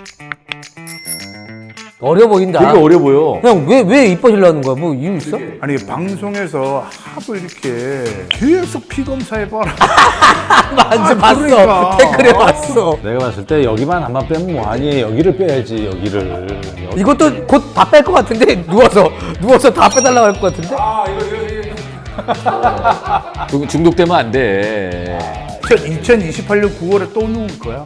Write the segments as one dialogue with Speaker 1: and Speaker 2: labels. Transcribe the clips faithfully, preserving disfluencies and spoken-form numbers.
Speaker 1: 어려 보인다.
Speaker 2: 되게 어려 보여.
Speaker 1: 형, 왜, 왜 이뻐지려는 거야? 뭐 이유 있어?
Speaker 3: 아니 방송에서 하도 이렇게 계속 피 검사해봐라.
Speaker 1: 맞아, 봤어.
Speaker 3: 그러니까.
Speaker 1: 댓글에 봤어.
Speaker 4: 내가 봤을 때 여기만 한번 빼면 뭐 아니에요. 여기를 빼야지 여기를. 여기.
Speaker 1: 이것도 곧 다 뺄 것 같은데? 누워서, 누워서 다 빼달라고 할 것 같은데?
Speaker 2: 중- 중독되면 안 돼.
Speaker 3: 이천이십팔 년 구월에 또 누울 거야.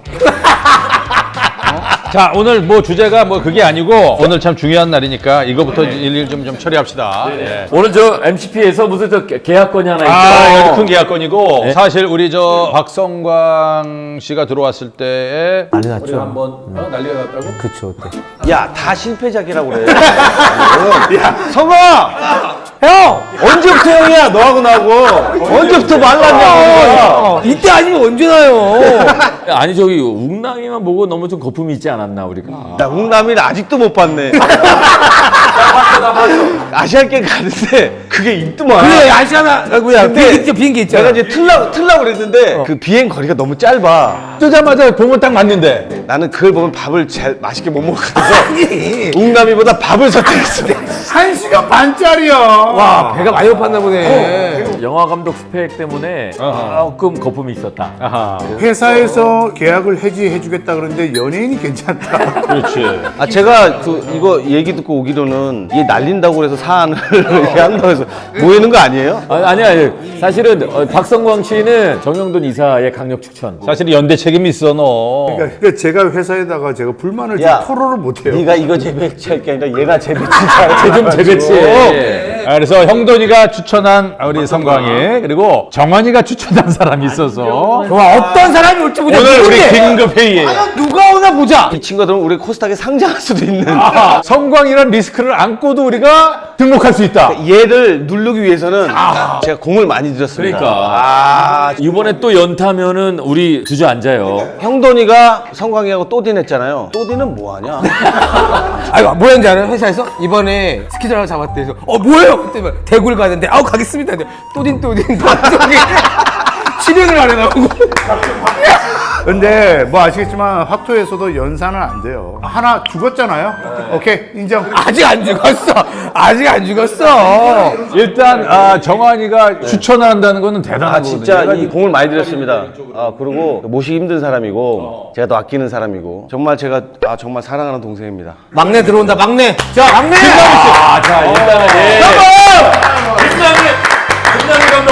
Speaker 4: 자, 오늘 뭐 주제가 뭐 그게 아니고 오늘 참 중요한 날이니까 이거부터 일일 좀, 좀 처리합시다. 예.
Speaker 2: 오늘 저 엠씨피에서 무슨 저 계- 계약건이 하나 있죠.
Speaker 4: 아, 이거 큰 계약건이고 사실 우리 저 박성광 씨가 들어왔을 때에
Speaker 1: 난리 났죠.
Speaker 4: 우리가 한번 어, 난리가 났다고?
Speaker 1: 그쵸, 그때.
Speaker 5: 야, 다 실패작이라고 그래. 야, 성아!
Speaker 1: 형!
Speaker 5: 언제부터 형이야, 너하고 나하고? 언제부터 말랐냐고.
Speaker 1: 이때 아니면 언제 나요?
Speaker 2: 아니 저기 웅랑이만 보고 너무 좀 거품이 있지 않았나 우리가.
Speaker 5: 나 웅남이를 아직도 못 봤네. 아시안게임 가는데 그게 있더만.
Speaker 1: 그래, 아시아나, 뭐야,
Speaker 5: 근데
Speaker 1: 비행기 있죠, 비행기 있잖아.
Speaker 5: 내가 이제 틀라고, 틀라고 그랬는데 그 비행 거리가 너무 짧아.
Speaker 4: 뜨자마자 보면 딱 맞는데
Speaker 5: 나는 그걸 보면 밥을 잘 맛있게 못 먹을 것 같아서 웅남이보다 밥을 선택했어.
Speaker 3: 한 시간 반짜리야.
Speaker 1: 와, 배가 많이 고팠나 보네.
Speaker 2: 영화 감독 스펙 때문에 조금 거품이 있었다.
Speaker 4: 아하.
Speaker 3: 회사에서 계약을 해지해주겠다 그러는데 연예인이 괜찮다.
Speaker 4: 그렇지.
Speaker 5: 아, 제가 그 이거 얘기 듣고 오기로는 얘 날린다고 그래서 사안을 이렇게 한다고 해서 모이는 거 아니에요?
Speaker 2: 아니, 아니야. 아니. 사실은 어, 박성광 씨는 정영돈 이사의 강력 추천.
Speaker 4: 사실 연대 책임이 있어 너.
Speaker 3: 그러니까 제가 회사에다가 제가 불만을
Speaker 5: 야,
Speaker 3: 좀 토로를 못해요.
Speaker 5: 네가 이거 재배치할 게 아니라 얘가 재배치자.
Speaker 2: 좀 재배치해.
Speaker 4: 아, 그래서 형돈이가 추천한 우리 성광이 그리고 정환이가 추천한 사람이 있어서
Speaker 1: 와, 어떤 사람이 올지 보자.
Speaker 4: 오늘 우리
Speaker 1: 누군데?
Speaker 4: 긴급 회의에
Speaker 1: 누가 오나 보자.
Speaker 5: 이 친구들은 우리 코스닥에 상장할 수도 있는.
Speaker 4: 성광이란 리스크를 안고도 우리가 등록할 수 있다.
Speaker 5: 얘를 누르기 위해서는 제가 공을 많이 들였습니다.
Speaker 2: 그러니까.
Speaker 5: 아,
Speaker 2: 이번에 또 연타면은 우리 주저앉아요.
Speaker 5: 형돈이가 성광이하고 또딘했잖아요. 또딘은 뭐하냐?
Speaker 1: 아이고, 뭐였는지 알아요? 회사에서? 이번에 스키장 하나 잡았대. 그래서, 어, 뭐예요? 그때 막 대구를 가는데, 아우, 가겠습니다. 근데 또딘, 또딘, 방송에 실행을 안 해나오고.
Speaker 3: 근데 뭐 아시겠지만 확토에서도 연산은 안 돼요. 하나 죽었잖아요. 오케이 인정.
Speaker 1: 아직 안 죽었어. 아직 안 죽었어.
Speaker 4: 일단 아, 정환이가 추천을 한다는 거는 대단한
Speaker 5: 아,
Speaker 4: 거거든요.
Speaker 5: 진짜
Speaker 4: 내가
Speaker 5: 이 공을 많이 들였습니다. 아, 그리고 모시기 힘든 사람이고 제가 더 아끼는 사람이고 정말 제가 아, 정말 사랑하는 동생입니다.
Speaker 1: 막내 들어온다, 막내. 자, 막내!
Speaker 2: 아, 자, 일단은 예. 김남일! 김남일 감독!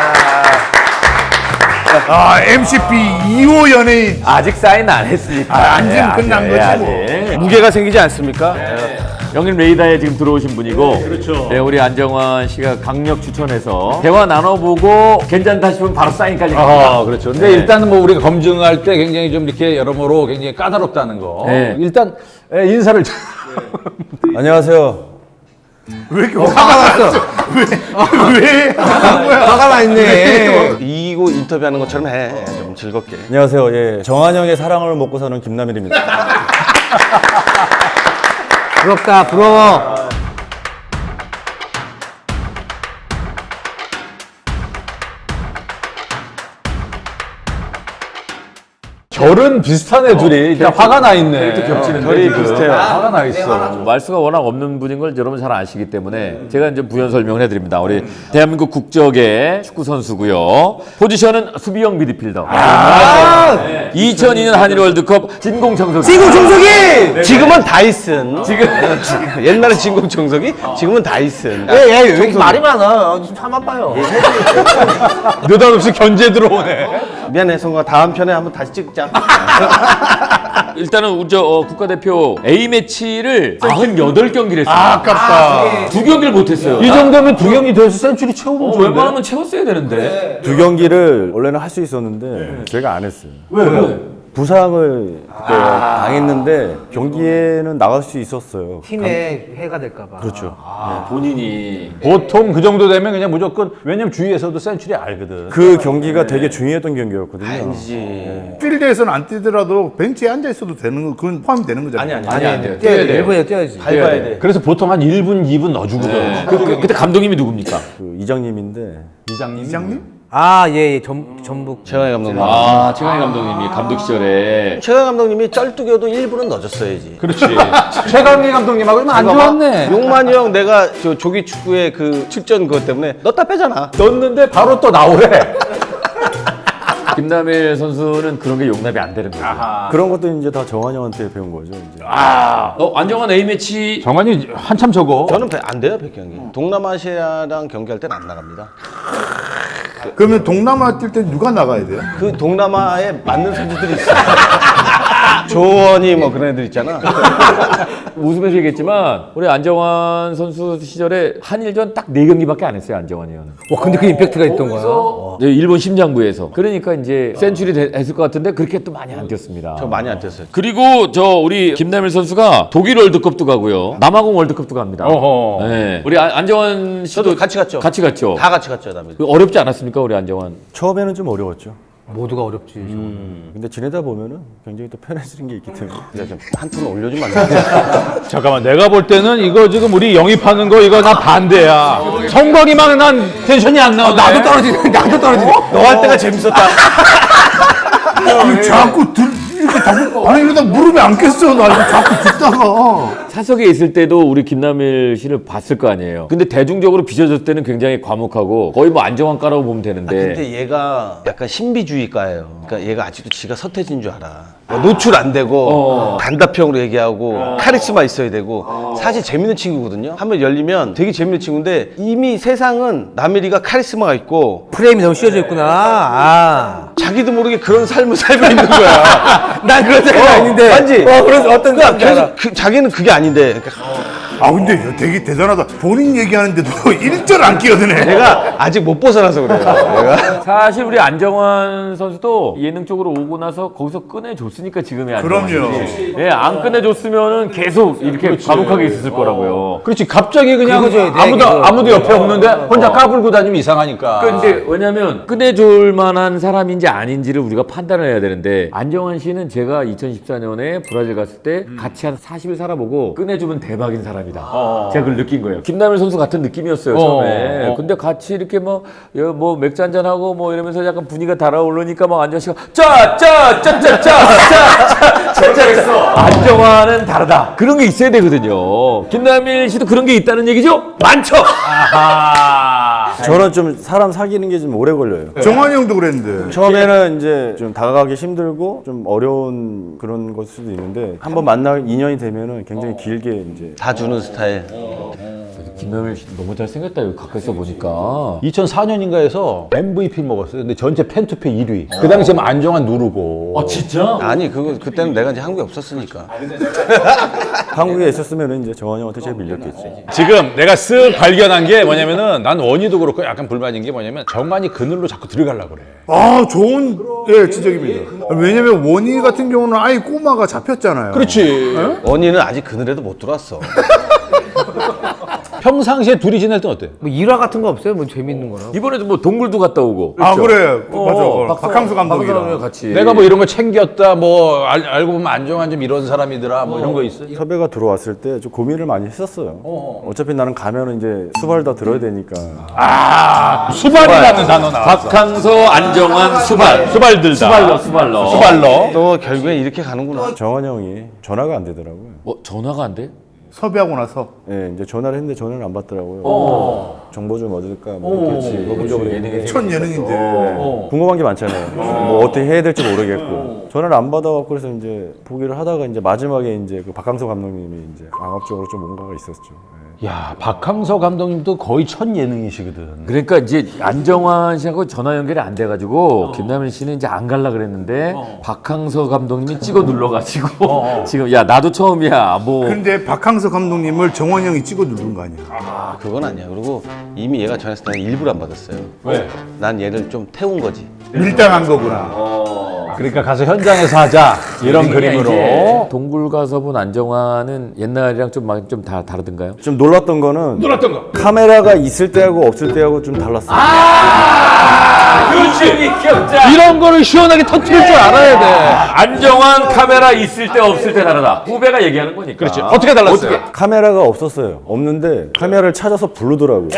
Speaker 3: 아 엠씨피 이 호 연예인.
Speaker 2: 아직 사인 안 했으니까.
Speaker 3: 아, 안 지면
Speaker 2: 아직,
Speaker 3: 끝난
Speaker 2: 예,
Speaker 3: 거지
Speaker 2: 아직.
Speaker 3: 뭐.
Speaker 5: 무게가 생기지 않습니까?
Speaker 2: 영림 레이더에 지금 들어오신 분이고, 그렇죠. 네, 우리 안정환 씨가 강력 추천해서 대화 나눠보고 괜찮다 싶으면 바로 사인까지 갑니다.
Speaker 4: 아, 그렇죠. 근데
Speaker 2: 네.
Speaker 4: 일단은 뭐 우리가 검증할 때 굉장히 좀 이렇게 여러모로 굉장히 까다롭다는 거.
Speaker 2: 네.
Speaker 4: 일단 에, 인사를 좀-
Speaker 5: 안녕하세요.
Speaker 3: 왜 이렇게 화가 났어? 왜? 왜?
Speaker 1: 화가 나 있네.
Speaker 5: 이거 인터뷰하는 것처럼 해. 좀 즐겁게.
Speaker 6: 안녕하세요. 예, 정한영의 사랑을 먹고 사는 김남일입니다.
Speaker 1: 부럽다, 부러워.
Speaker 4: 결은 비슷한 애들이 일단 화가 나 있네.
Speaker 2: 겹치는데
Speaker 5: 결이
Speaker 2: 지금.
Speaker 5: 비슷해요.
Speaker 4: 화가 나 있어.
Speaker 2: 말수가 워낙 없는 분인 걸 여러분 잘 아시기 때문에 제가 이제 부연 설명을 해드립니다. 우리 대한민국 국적의 축구 선수고요. 포지션은 수비형 미드필더. 이천이 년 한일 월드컵 진공 청소기.
Speaker 1: 지금 종석이!
Speaker 5: 지금은 다이슨.
Speaker 2: 지금
Speaker 5: 옛날에 진공 청소기, 지금은 다이슨.
Speaker 1: 예, 예, 왜 이렇게 말이 많아? 좀 참아봐요.
Speaker 4: 느닷없이 견제 들어오네.
Speaker 5: 미안해, 성과 다음 편에 한번 다시 찍자.
Speaker 2: 일단은 우리 저 어, 국가대표 A매치를 구십팔 경기를 했어요.
Speaker 3: 아, 아깝다.
Speaker 2: 두 경기를 못했어요.
Speaker 4: 이 정도면 두 경기 돼서 센츄리 채우면
Speaker 2: 어,
Speaker 4: 좋은데.
Speaker 2: 웬만하면 채웠어야 되는데.
Speaker 6: 두 경기를 원래는 할 수 있었는데 제가 안 했어요.
Speaker 2: 왜? 왜?
Speaker 6: 부상을 그때 당했는데 경기에는 나갈 수 있었어요.
Speaker 1: 팀에 해가 될까봐.
Speaker 6: 그렇죠.
Speaker 2: 아, 본인이.
Speaker 4: 보통 그 정도 되면 그냥 무조건 왜냐면 주위에서도 센츄리 알거든.
Speaker 6: 그 경기가 되게 중요했던 경기였거든요.
Speaker 3: 필드에서는 안 뛰더라도 벤치에 앉아 있어도 되는 거 그건 포함이 되는 거잖아요.
Speaker 5: 아니, 아니.
Speaker 2: 아니 안 돼요.
Speaker 1: 뛰어야
Speaker 2: 뛰어야
Speaker 1: 돼.
Speaker 2: 돼요.
Speaker 1: 일본에 뛰어야지.
Speaker 5: 밟아야 돼.
Speaker 4: 그래서 보통 한 일 분, 이 분 넣어주거든.
Speaker 2: 그, 그, 그때 감독님이 누굽니까?
Speaker 6: 그 이장님인데
Speaker 4: 이장님.
Speaker 3: 이장님?
Speaker 1: 아, 예, 예. 전, 전북.
Speaker 5: 최강희 감독님.
Speaker 2: 아, 최강희 감독님이 감독 시절에
Speaker 5: 최강희 감독님이 쩔뚝여도 일부는 넣어줬어야지.
Speaker 4: 그렇지. 최강희 감독님하고 좀 안 좋았네.
Speaker 5: 용만이 형 내가 저 조기 축구의 그 출전 그것 때문에 넣었다 빼잖아.
Speaker 4: 넣었는데 바로 또 나오래.
Speaker 2: 김남일 선수는 그런 게 용납이 안 되는 거죠.
Speaker 6: 그런 것도 이제 다 정환 형한테 배운 거죠. 이제.
Speaker 2: 아, 어, 안정환 A매치
Speaker 4: 정환이 한참 적어.
Speaker 5: 저는 배- 안 돼요, 백경기. 동남아시아랑 경기할 때는 안 나갑니다.
Speaker 3: 그러면 동남아 뛸 때 누가 나가야 돼요?
Speaker 5: 그 동남아에 맞는 선수들이 있어요. 조원이 뭐 그런 애들 있잖아.
Speaker 2: 웃으면서 얘기했지만 우리 안정환 선수 시절에 한일전 딱 네 경기밖에 안 했어요. 안정환이 형은.
Speaker 1: 와, 근데 그 임팩트가 있던 거야.
Speaker 2: 네, 일본 심장부에서. 그러니까 이제 센츄리 되- 했을 것 같은데 그렇게 또 많이 안 뛰었습니다.
Speaker 5: 저 많이 안 뛰었어요.
Speaker 2: 그리고 저 우리 김남일 선수가 독일 월드컵도 가고요. 남아공 월드컵도 갑니다.
Speaker 4: 어허.
Speaker 2: 네. 우리 안- 안정환 씨도
Speaker 5: 저도 같이 갔죠.
Speaker 2: 같이 갔죠.
Speaker 5: 다 같이 갔죠, 다음에.
Speaker 2: 그 어렵지 않았습니까, 우리 안정환?
Speaker 6: 처음에는 좀 어려웠죠.
Speaker 1: 모두가 어렵지.
Speaker 6: 근데 지내다 보면은 굉장히 또 편해지는 게 있기 때문에.
Speaker 5: 한 톤 올려주면 안 돼.
Speaker 4: 잠깐만, 내가 볼 때는 이거 지금 우리 영입하는 거 이거 나 반대야. 성광이만 난 텐션이 안 나오네.
Speaker 1: 나도 떨어지네. 나도 떨어지네.
Speaker 5: 너 할 때가 재밌었다.
Speaker 3: 아니, 자꾸 들, 이렇게 자꾸, 아니, 이러다 무릎에 안 꼈어. 나 이거 자꾸 듣다가.
Speaker 2: 사석에 있을 때도 우리 김남일 씨를 봤을 거 아니에요. 근데 대중적으로 비춰졌을 때는 굉장히 과묵하고 거의 뭐 안정환 까라고 보면 되는데.
Speaker 5: 근데 얘가 약간 신비주의가예요. 그러니까 얘가 아직도 지가 서태지인 줄 알아. 뭐 노출 안 되고
Speaker 2: 어.
Speaker 5: 단답형으로 얘기하고 카리스마 있어야 되고 사실 재밌는 친구거든요. 한번 열리면 되게 재밌는 친구인데 이미 세상은 남일이가 카리스마가 있고
Speaker 1: 프레임이 너무 씌워져 있구나. 아.
Speaker 5: 자기도 모르게 그런 삶을 살고 있는 거야.
Speaker 1: 난 그런 생각
Speaker 5: 어,
Speaker 1: 아닌데.
Speaker 5: 맞지?
Speaker 1: 어, 그래서 어떤
Speaker 5: 그러니까
Speaker 1: 생각인지 알아.
Speaker 5: 계속 그, 자기는 그게 아닌데 그러니까
Speaker 3: 아, 근데 되게 대단하다. 본인 얘기하는데도 일절 안 끼어드네.
Speaker 5: 내가 아직 못 벗어나서 그래요. 내가
Speaker 2: 사실 우리 안정환 선수도 예능 쪽으로 오고 나서 거기서 꺼내줬으니까 지금의 안정환.
Speaker 3: 그럼요.
Speaker 2: 예, 안 꺼내줬으면은 계속 이렇게 과묵하게 있었을 거라고요.
Speaker 4: 그렇지. 갑자기 그냥
Speaker 1: 긁어줘야 돼,
Speaker 4: 아무도
Speaker 1: 그거.
Speaker 4: 아무도 옆에 없는데 혼자 까불고 다니면 이상하니까.
Speaker 2: 근데 왜냐면 꺼내줄 만한 사람인지 아닌지를 우리가 판단을 해야 되는데 안정환 씨는 제가 이천십사 년에 브라질 갔을 때 같이 한 사십 일 살아보고 꺼내주면 대박인 사람이다. 제가 그걸 느낀 거예요. 김남일 선수 같은 느낌이었어요 처음에.
Speaker 4: 어, 어.
Speaker 2: 근데 같이 이렇게 뭐, 여- 뭐 맥주 한잔 하고 뭐 이러면서 약간 분위기가 달아오르니까 막 안정환 씨가 짜짜짜짜짜짜짜짜짜 안정환은 다르다. 그런 게 있어야 되거든요. 김남일 씨도 그런 게 있다는 얘기죠? 많죠. 아하.
Speaker 6: 저는 좀 사람 사귀는 게 좀 오래 걸려요.
Speaker 3: 정환이 형도 그랬는데.
Speaker 6: 처음에는 이제 좀 다가가기 힘들고 좀 어려운 그런 걸 수도 있는데 한번 만나 인연이 되면은 굉장히 길게 이제
Speaker 5: 다 주는 스타일.
Speaker 2: 김남일 씨 너무 잘생겼다 여기 가까이서 보니까.
Speaker 4: 이천사 년인가에서 엠브이피 먹었어요. 근데 전체 팬투표 일 위. 그 당시에 뭐 안정환 누르고.
Speaker 2: 아 진짜?
Speaker 5: 아니 그거 그때는 내가 이제 한국에 없었으니까.
Speaker 6: 한국에 있었으면 이제 정환 형한테 제일 밀렸겠지.
Speaker 4: 지금 내가 쓱 발견한 게 뭐냐면은 난 원희도 그렇고 약간 불만인 게 뭐냐면 정환이 그늘로 자꾸 들어가려고 그래.
Speaker 3: 아, 좋은, 예, 지적입니다. 왜냐면 원희 같은 경우는 아예 꼬마가 잡혔잖아요.
Speaker 4: 그렇지.
Speaker 5: 원희는 아직 그늘에도 못 들어왔어.
Speaker 4: 평상시에 둘이 지낼 땐 어때?
Speaker 1: 뭐 일화 같은 거 없어요? 뭐 재밌는 거나?
Speaker 2: 이번에도 뭐 동굴도 갔다 오고.
Speaker 3: 아, 그래.
Speaker 2: 어,
Speaker 3: 맞아.
Speaker 2: 박성-
Speaker 3: 박항수 감독이랑.
Speaker 2: 박성훈이랑 같이.
Speaker 4: 내가 뭐 이런 거 챙겼다, 뭐 알, 알고 보면 안정환 좀 이런 사람이더라, 뭐 이런 거 있어?
Speaker 6: 섭외가 들어왔을 때 좀 고민을 많이 했었어요. 어차피 나는 가면은 이제 수발 다 들어야 되니까.
Speaker 4: 아, 수발이라는 단어 나왔어.
Speaker 2: 박항서, 안정환, 수발.
Speaker 4: 수발들다.
Speaker 2: 수발러, 수발러.
Speaker 4: 수발러.
Speaker 5: 또 결국엔 이렇게 가는구나.
Speaker 6: 정환 형이 전화가 안 되더라고요.
Speaker 2: 어, 전화가 안 돼?
Speaker 3: 섭외하고 나서.
Speaker 6: 예, 이제 전화를 했는데 전화를 안 받더라고요. 정보 좀 얻을까 뭐 이렇게 물어보려고 그랬는데
Speaker 3: 첫 예능인데.
Speaker 6: 궁금한 게 많잖아요. 뭐 어떻게 해야 될지 모르겠고 전화를 안 받아갖고 그래서 이제 보기를 하다가 이제 마지막에 이제 그 박항서 감독님이 이제 강압적으로 좀 뭔가가 있었죠. 예.
Speaker 4: 야, 박항서 감독님도 거의 첫 예능이시거든.
Speaker 2: 그러니까 이제 안정환 씨하고 전화 연결이 안 돼가지고 김남일 씨는 이제 안 갈라 그랬는데 박항서 감독님이 찍어 눌러가지고 지금 야 나도 처음이야 뭐.
Speaker 3: 근데 박항서 감독님을 정환이 형이 찍어 누른 거 아니야.
Speaker 5: 아 그건 아니야. 그리고 이미 얘가 전화했을 때는 일부러 안 받았어요.
Speaker 4: 왜?
Speaker 5: 난 얘를 좀 태운 거지.
Speaker 3: 밀당한 거구나.
Speaker 4: 그러니까 가서 현장에서 하자 이런 그림으로.
Speaker 2: 동굴 가서 본 안정환은 옛날이랑 좀 많이 좀 다 다르던가요?
Speaker 6: 좀 놀랐던 거는
Speaker 4: 놀랐던 거.
Speaker 6: 카메라가 있을 때하고 없을 때하고 좀 달랐어요.
Speaker 2: 그렇지 기억자.
Speaker 4: 이런 거를 시원하게 터뜨릴 줄 알아야 돼.
Speaker 2: 안정환 카메라 있을 때 없을 때 다르다. 후배가 얘기하는 거니까.
Speaker 4: 그렇지. 어떻게 달랐어요?
Speaker 6: 카메라가 없었어요. 없는데 카메라를 찾아서 부르더라고요.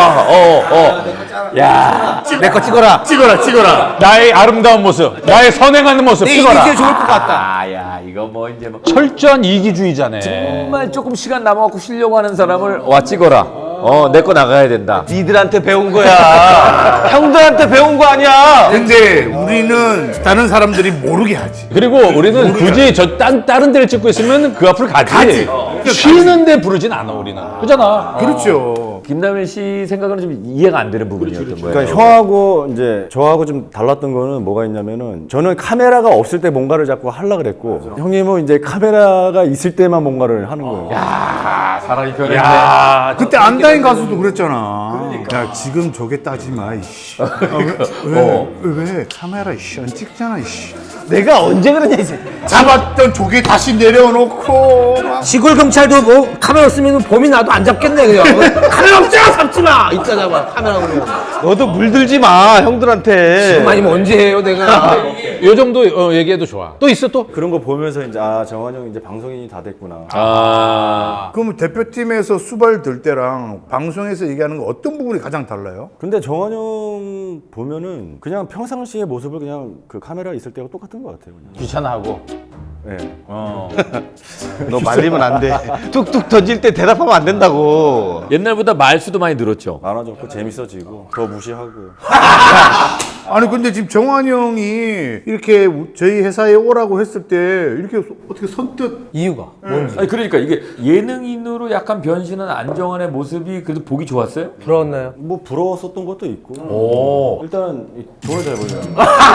Speaker 1: 내 거 찍어라.
Speaker 4: 찍어라, 찍어라. 나의 아름다운 모습, 나의 선행하는 모습
Speaker 1: 내
Speaker 4: 찍어라.
Speaker 1: 이게 좋을 것 같다.
Speaker 2: 아야 이거 뭐 이제 뭐
Speaker 4: 철저한 이기주의자네.
Speaker 2: 정말 조금 시간 남아갖고 쉬려고 하는 사람을 와 찍어라. 어 내 거 나가야 된다.
Speaker 5: 니들한테 배운 거야. 형들한테 배운 거 아니야.
Speaker 3: 근데 우리는 다른 사람들이 모르게 하지.
Speaker 4: 그리고 우리는 굳이 저 딴, 다른 데를 찍고 있으면 그 앞으로 가지. 쉬는데 부르진 않아 우리는. 그잖아.
Speaker 3: 그렇죠.
Speaker 2: 김남일 씨 생각은 좀 이해가 안 되는 부분이었던 거예요.
Speaker 6: 그러니까 형하고 이제 저하고 좀 달랐던 거는 뭐가 있냐면은 저는 카메라가 없을 때 뭔가를 자꾸 하려 그랬고 형님은 이제 카메라가 있을 때만 뭔가를 하는 거예요.
Speaker 2: 사람이 변했네.
Speaker 3: 야, 그때 안다인 가수도 그랬잖아. 야, 지금 저게 따지 마, 이씨. 아, 왜, 왜, 왜, 왜? 카메라, 이씨, 안 찍잖아, 이씨.
Speaker 5: 내가 언제 그러냐 이제.
Speaker 3: 잡았던 조개 다시 내려놓고. 막.
Speaker 1: 시골 경찰도 뭐 카메라 없으면 범인 나도 안 잡겠네 그냥. 카메라 없잖아 잡지 마. 이따 잡아 카메라 보면.
Speaker 5: 너도 물들지 마 형들한테.
Speaker 1: 지금 아니면 언제 해요 내가.
Speaker 4: 요 정도 어, 얘기해도 좋아. 또 있어 또?
Speaker 6: 그런 거 보면서 이제 아 정환 형 이제 방송인이 다 됐구나.
Speaker 2: 아
Speaker 3: 그럼 대표팀에서 수발 들 때랑 방송에서 얘기하는 거 어떤 부분이 가장 달라요?
Speaker 6: 근데 정환 형 보면은 그냥 평상시의 모습을 그냥 그 카메라 있을 때하고 똑같은 것 같아요. 그냥.
Speaker 4: 귀찮아하고.
Speaker 6: 네.
Speaker 4: 어.
Speaker 5: 너 말리면 안 돼. 뚝뚝 던질 때 대답하면 안 된다고.
Speaker 2: 옛날보다 말수도 많이 늘었죠.
Speaker 6: 많아졌고 재밌어지고 더 무시하고.
Speaker 3: 아니 근데 지금 정환이 형이 이렇게 우- 저희 회사에 오라고 했을 때 이렇게 소- 어떻게 선뜻
Speaker 1: 이유가 뭔지
Speaker 2: 아니 그러니까 이게 예능인으로 약간 변신한 안정환의 모습이 그래도 보기 좋았어요?
Speaker 1: 부러웠나요?
Speaker 6: 뭐 부러웠었던 것도 있고. 일단 이 돈을 잘 벌려요.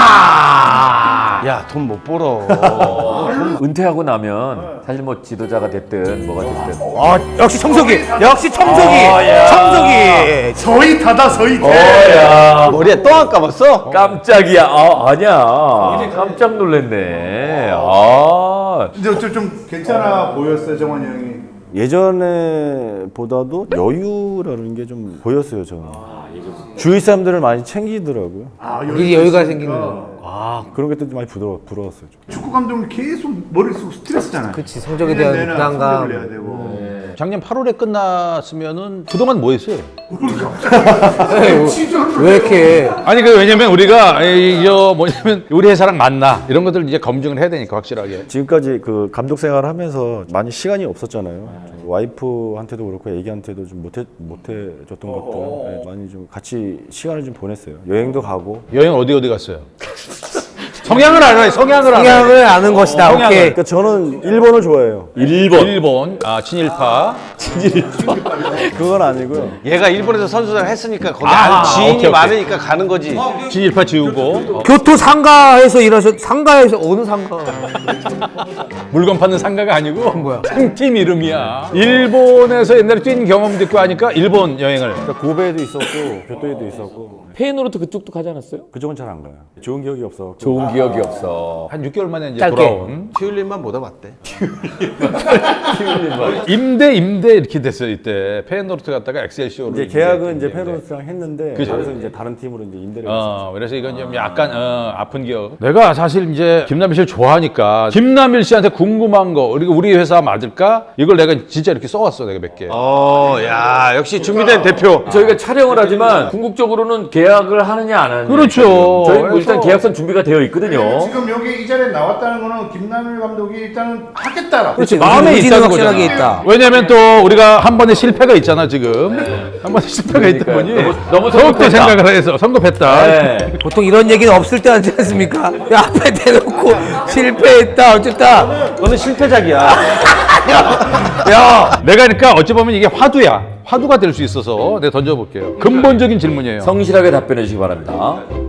Speaker 5: 야 돈 못 벌어.
Speaker 2: 은퇴하고 나면 사실 뭐 지도자가 됐든 뭐가 됐든
Speaker 1: 아 역시 청소기. 역시 청소기. 청소기.
Speaker 3: 서희 타다 서희 타.
Speaker 5: 머리에 또 안 감았어?
Speaker 2: 깜짝이야. 아 아니야. 깜짝 놀랐네. 아
Speaker 3: 이제 좀, 좀 괜찮아 보였어요 정환이 형이.
Speaker 6: 예전에 보다도 여유라는 게 좀 보였어요 저는. 주위 사람들을 많이 챙기더라고요.
Speaker 3: 아
Speaker 1: 이 여유가 생기는 거.
Speaker 6: 아 그런 게 또 많이 부러워, 부러웠어요. 좀.
Speaker 3: 축구 감독은 계속 머릿 속 스트레스잖아요.
Speaker 1: 그치 성적에 대한
Speaker 3: 내내
Speaker 1: 부담감.
Speaker 3: 성적을 내야 되고.
Speaker 4: 작년 팔월에 끝났으면은 그동안 뭐 했어요?
Speaker 1: 왜 이렇게
Speaker 4: 아니 그 왜냐면 우리가 이저 뭐냐면 우리 회사랑 맞나 이런 것들 이제 검증을 해야 되니까 확실하게.
Speaker 6: 지금까지 그 감독 생활을 하면서 많이 시간이 없었잖아요. 좀 와이프한테도 그렇고 애기한테도 좀 못해 못해 줬던 것들 네, 많이 좀 같이 시간을 좀 보냈어요. 여행도 가고.
Speaker 4: 여행 어디 어디 갔어요? 성향을 알아요. 성향을 알아요.
Speaker 1: 성향을 아는 것이다.
Speaker 4: 성향을.
Speaker 1: 오케이.
Speaker 6: 그러니까 저는 일본을 좋아해요.
Speaker 2: 일본.
Speaker 4: 일본 아 친일파.
Speaker 6: 그건 아니고요.
Speaker 5: 얘가 일본에서 선수를 했으니까 거기
Speaker 4: 아,
Speaker 5: 안- 지인이
Speaker 4: 오케이, 오케이.
Speaker 5: 많으니까 가는 거지.
Speaker 4: 친일파 지우고 어,
Speaker 1: 교토 상가에서 일하셨. 상가에서 어느 상가?
Speaker 4: 물건 파는 상가가 아니고
Speaker 1: 뭐야?
Speaker 4: 팀 이름이야. 일본에서 옛날에 뛴 경험도 있고 하니까 일본 여행을.
Speaker 6: 그러니까 고베에도 있었고 교토에도 있었고
Speaker 2: 페이노르트 그쪽도 가지 않았어요?
Speaker 6: 그쪽은 잘 안 가요. 좋은 기억이 없어.
Speaker 2: 좋은 기억이 없어.
Speaker 4: 한 육 개월 만에 이제
Speaker 1: 짧게.
Speaker 4: 돌아온.
Speaker 5: 튜일린만 못 와봤대.
Speaker 4: 임대 임대 이렇게 됐어요 이때. 페이노르트 갔다가 엑셀시오로.
Speaker 6: 이제 계약은 이제 페로스랑 했는데
Speaker 4: 그죠.
Speaker 6: 그래서 이제 다른 팀으로 이제 임대를 했어요.
Speaker 4: 어, 그래서 이건 좀 약간 어, 아픈 기억. 내가 사실 이제 김남일 씨를 좋아하니까 김남일 씨한테 궁금한 거 그리고 우리 회사 맞을까? 이걸 내가 진짜 이렇게 써왔어 내가 몇 개.
Speaker 5: 어, 야 역시 준비된 대표.
Speaker 2: 저희가 촬영을 하지만 궁극적으로는 계약을 하느냐 안 하느냐.
Speaker 4: 그렇죠.
Speaker 2: 저희 뭐 일단
Speaker 4: 그래서-
Speaker 2: 계약선 준비가 되어 있거든요.
Speaker 3: 지금 여기 이 자리에 나왔다는 거는 김남일 감독이 일단은 하겠다라.
Speaker 1: 그렇지.
Speaker 4: 마음에
Speaker 1: 의지는
Speaker 4: 있다는
Speaker 1: 확실하게
Speaker 4: 거잖아.
Speaker 1: 있다.
Speaker 4: 왜냐면 또 우리가 한 번의 실패가 있잖아 지금. 한 번의 실패가 있다 보니
Speaker 2: 너무- 너무
Speaker 4: 더욱더
Speaker 2: 성급했다.
Speaker 4: 생각을 해서 성급했다.
Speaker 2: 네.
Speaker 1: 보통 이런 얘기는 없을 때 하지 않습니까? 야, 앞에 대놓고 실패했다 어쨌다.
Speaker 5: 너는 실패작이야.
Speaker 4: 야, 내가 그러니까 어찌 보면 이게 화두야. 화두가 될 수 있어서 내가 던져볼게요. 근본적인 질문이에요.
Speaker 2: 성실하게 답변해 주시기 바랍니다.